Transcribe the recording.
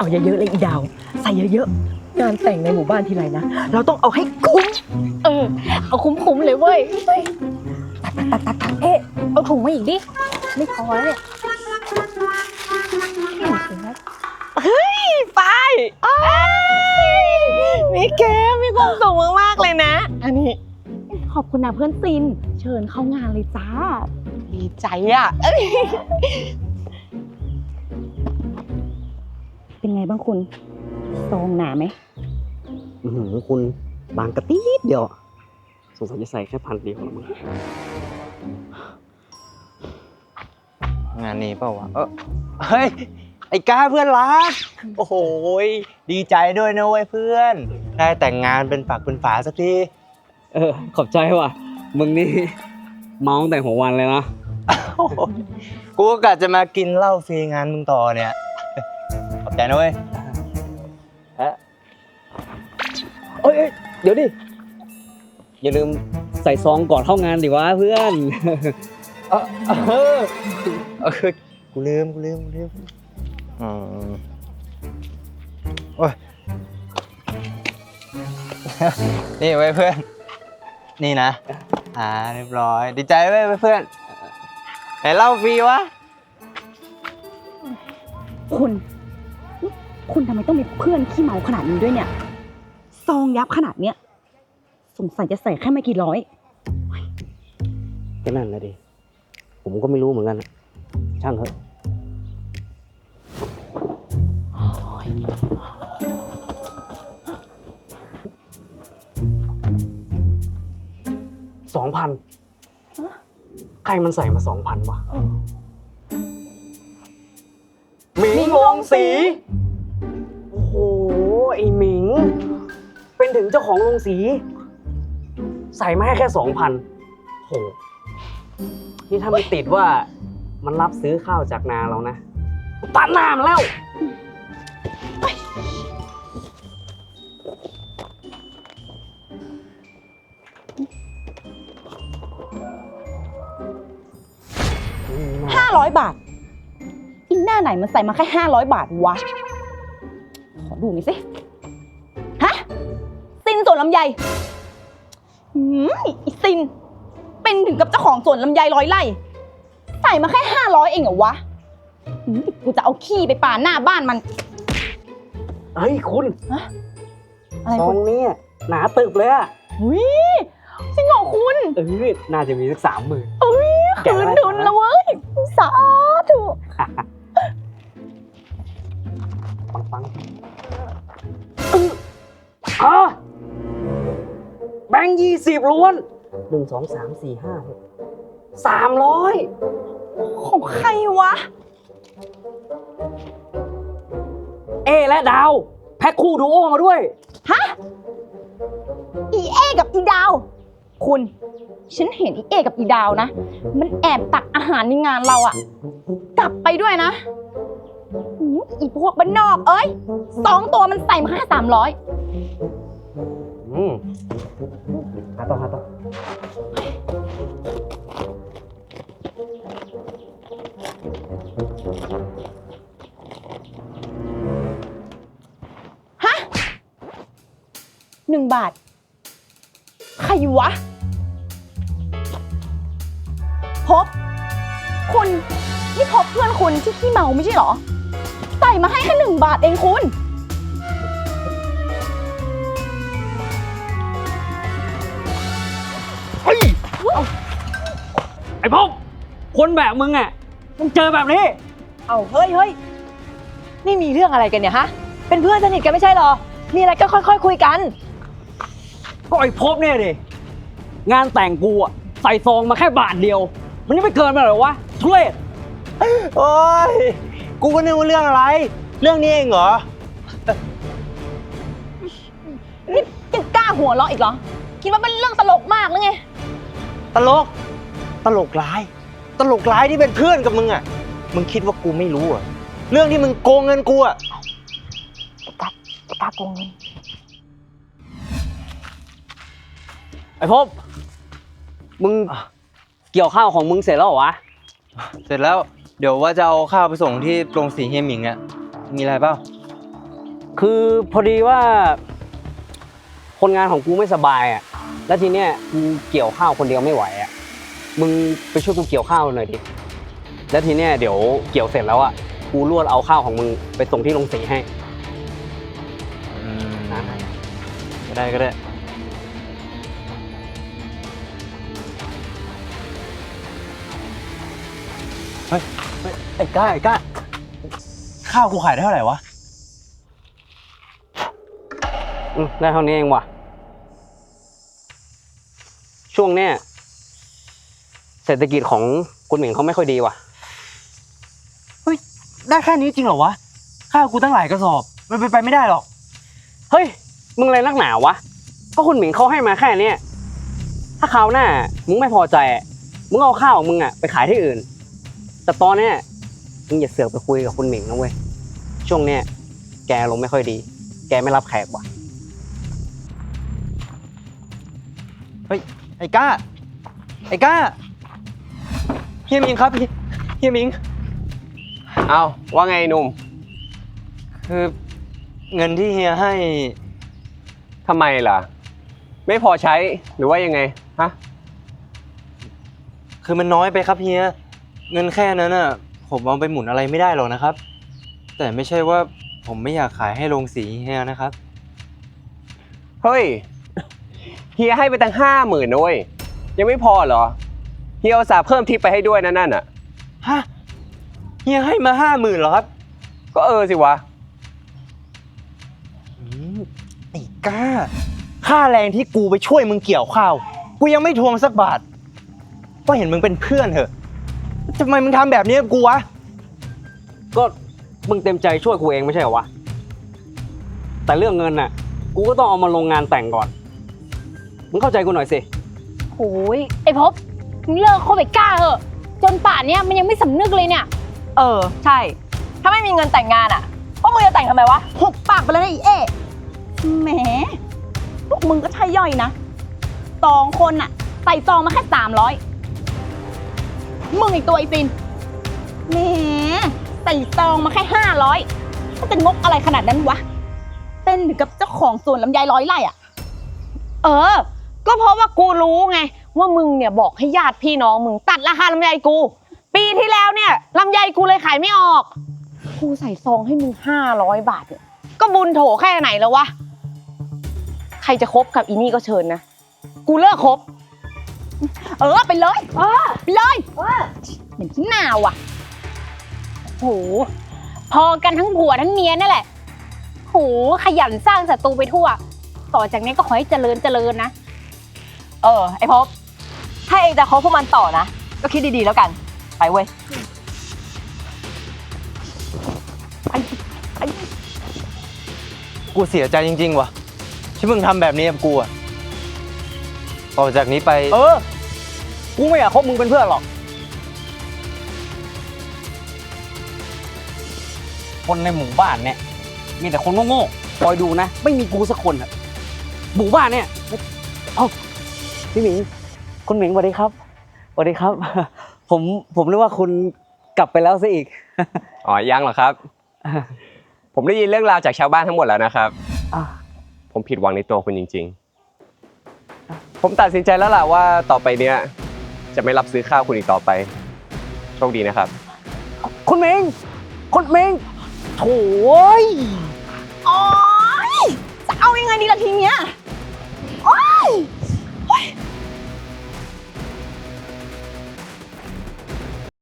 เอาเยอะๆเลยอีดาวใส่เยอะๆงานแต่งในหมู่บ้านทีไรนะเราต้องเอาให้คุ้มเอาคุ้มๆเลยเว้ยตัดเอ๊ะเอาถุงมาอีกดิไม่พอแล้วเนี่ยป้ายมีแกมีความสุขมากๆเลยนะอันนี้ขอบคุณนะเพื่อนซินเชิญเข้างานเลยจ้าดีใจอ่ะเป็นไงบ้างคุณซองหนาไหมคุณบางกระติดเดียวสงสัยจะใส่แค่1,000 เดียวละมั้งงานนี้เปล่าวะเฮ้ยไอ้ก้าเพื่อนรักโอ้โหดีใจด้วยนะเว้ยเพื่อนได้แต่งงานเป็นฝักเป็นฝาสักทีขอบใจว่ะมึงนี่เมาตั้งแต่หัววันเลยนะกูก็กะจะมากินเหล้าฟรีงานมึงต่อเนี่ยขอบใจนะเว้ยเอ้ยเดี๋ยวดิอย่าลืมใส่ซองก่อนเข้างานดิวะเพื่อนกูลืมโอ้ยนี่เว้ยเพื่อนนี่นะเรียบร้อยดีใจเว้ยเพื่อนไหนเหล้าฟรีวะคุณทำไมต้องมีเพื่อนขี้เมาขนาดนี้ด้วยเนี่ยซองยับขนาดเนี้ยสงสัยจะใส่แค่ไม่กี่ร้อยก็นั่นแหละดิผมก็ไม่รู้เหมือนกันช่างเถอะ2,000ใครมันใส่มา 2,000 วะหมิงวงศรีโอ้โหไอ้หมิงเป็นถึงเจ้าของโรงสีใส่มาให้แค่ 2,000โหนี่ถ้าไม่ติดว่ามันรับซื้อข้าวจากนาเรานะตัดหน้ามันแล้ว 500 บาทอีหน้าไหนมันใส่มาแค่500 บาทวะขอดูหน่อยสิฮะซินสวนลำไยอีซินเป็นถึงกับเจ้าของสวนลำไย100 ไร่ใส่มาแค่500เองเหรอวะกูจะเอาขี้ไปป่าหน้าบ้านมันเฮ้ยคุณอะไรซอคุณงนี้หนาตึบเลยอะจริงเหรอคุณน่าจะมีสัก 30,000 คืนทุนแล้วเว้ยสาธุฟังแบงค์20 ล้วน1 2 3 4 5 6 300 ของใครวะและดาวแพ็คคู่ดูโอมาด้วยฮะอีเอกับอีดาวคุณฉันเห็นอีเอกับอีดาวนะมันแอบตักอาหารในงานเราอะกลับไปด้วยนะอีพวกบ้านนอก2 ตัวมันใส่มาแค่300 หาต่อฮะ1 บาทใครวะพบคุณนี่พบเพื่อนคุณที่ขี้เมาไม่ใช่เหรอใส่มาให้แค่1 บาทเองคุณไอ้พบคนแบบมึงอ่ะมึงเจอแบบนี้เอาเฮ้ยนี่มีเรื่องอะไรกันเนี่ยฮะเป็นเพื่อนสนิทกันไม่ใช่หรอมีอะไรก็ค่อยๆคุยกันก็ไอ้พบเนี่ยดิงานแต่งกูอ่ะใส่ซองมาแค่บาทเดียวมันยังไม่เกินไปหรอวะทุเรศโอ้ยกูก็นึกว่าเรื่องอะไรเรื่องนี้เองเหรอนี่ยังกล้าหัวเราะอีกเหรอคิดว่าเป็นเรื่องตลกมากหรือไงตลกร้ายที่เป็นเพื่อนกับมึงอ่ะมึงคิดว่ากูไม่รู้อ่ะเรื่องที่มึงโกงเงินกูอ่ะกล้าโกงเงินไอ้พบมึงเกี่ยวข้าวของมึงเสร็จแล้วเหรอวะเสร็จแล้วเดี๋ยวว่าจะเอาข้าวไปส่งที่โรงสีเฮียหมิงอ่ะมีอะไรเปล่าคือพอดีว่า คนงานของกูไม่สบายอ่ะ แล้วทีเนี้ยกูเกี่ยวข้าวคนเดียวไม่ไหวอ่ะ มึงไปช่วยกูเกี่ยวข้าวหน่อยดิ แล้วทีเนี้ยเดี๋ยวเกี่ยวเสร็จแล้วอ่ะ กูรวดเอาข้าวของมึงไปส่งที่โรงสีให้ก็ได้ก็ได้ เฮ้ยไอ้ก้า ข้าวกูขายได้เท่าไหร่วะได้เท่านี้เองว่ะ ช่วงเนี้ยเศรษฐกิจของคุณหมิงเขาไม่ค่อยดีว่ะเฮ้ย ได้แค่นี้จริงเหรอวะ ข้าวกูตั้งหลายกระสอบ มันเป็นไปไม่ได้หรอกเฮ้ย มึงอะไรนักหนาวะ ก็คุณหมิงเขาให้มาแค่เนี้ยถ้าคราวหน้ามึงไม่พอใจอะมึงเอาข้าวของมึงอ่ะไปขายที่อื่น แต่ตอนเนี้ยมึงอย่าเสือกไปคุยกับคุณหมิงนะเว้ย ช่วงเนี้ยแกลงไม่ค่อยดี แกไม่รับแขกว่ะเฮ้ย ไอ้ก้า เฮียมิงครับเฮียมิงเอาว่าไงหนุ่มคือเงินที่เฮียให้ทำไมล่ะ ไม่พอใช้หรือว่ายังไงฮะคือมันน้อยไปครับเฮีย เงินแค่นั้นน่ะ ผมเอาไปหมุนอะไรไม่ได้หรอกนะครับ แต่ไม่ใช่ว่าผมไม่อยากขายให้โรงสีเฮียนะครับเฮ้ย เฮียให้ไปตั้ง50,000นะเว้ยยังไม่พอเหรอเฮียอุตส่าห์เพิ่มทิปไปให้ด้วยนั่นน่ะฮะ เฮียให้มา50,000เหรอครับก็สิวะไอ้ก้า ค่าแรงที่กูไปช่วยมึงเกี่ยวข้าว กูยังไม่ทวงสักบาท ก็เห็นมึงเป็นเพื่อนเถอะทำไมมึงทำแบบนี้กับกูวะก็มึงเต็มใจช่วยกูเองไม่ใช่เหรอวะ แต่เรื่องเงินน่ะ กูก็ต้องเอามาลงงานแต่งก่อน มึงเข้าใจกูหน่อยสิโอ้ยไอ้ภพบมึงเลิกคบไอ้ก้าเถอะจนป่านเนี้ยมันยังไม่สำนึกเลยเนี่ยใช่ ถ้าไม่มีเงินแต่งงานอ่ะพวกมึงจะแต่งทำไมวะหุบปากไปเลยนะอีเอ๊แหมพวกมึงก็ใช่ย่อยนะ2 คนอะใส่ซองมาแค่300มึงอีกตัวไอ้ฟินแหมใส่ซองมาแค่500มันจะงกอะไรขนาดนั้นวะเต้นอยู่กับเจ้าของสวนลำไย100 ไร่อะก็เพราะว่ากูรู้ไงว่ามึงเนี่ยบอกให้ญาติพี่น้องมึงตัดราคาลำไยกู ปีที่แล้วเนี่ยลำไยกูเลยขายไม่ออก กูใส่ซองให้มึง500 บาทเนี่ยก็บุญโถแค่ไหนแล้ววะ ใครจะคบกับอีนี่ก็เชิญนะ กูเลิกคบไปเลยไปเลยเหมือนที่หนาวอะโหพอกันทั้งผัวทั้งเมียนั่นแหละโหขยันสร้างศัตรูไปทั่ว ต่อจากนี้ก็ขอให้เจริญนะ ไอ้ภพถ้าเองจะคบพวกมันต่อนะ ก็คิดดีๆแล้วกัน ไปเว้ยกูเสียใจจริงๆว่ะที่มึงทำแบบนี้กับกูอะต่อจากนี้ไปกูไม่อยากคบมึงเป็นเพื่อนหรอก คนในหมู่บ้านเนี่ย มีแต่คนโง่ๆคอยดูนะ ไม่มีกูสักคนอะหมู่บ้านเนี่ยเอ้าพี่หมิง คุณหมิงสวัสดีครับสวัสดีครับ ผมนึกว่าคุณกลับไปแล้วซะอีกอ๋อยังเหรอครับ ผมได้ยินเรื่องราวจากชาวบ้านทั้งหมดแล้วนะครับอ่ะผมผิดหวังในตัวคุณจริงๆ ผมตัดสินใจแล้วล่ะว่าต่อไปเนี้ยจะไม่รับซื้อข้าวคุณอีกต่อไป โชคดีนะครับคุณหมิงโถ่ยโอ๊ยจะเอายังไงดีล่ะที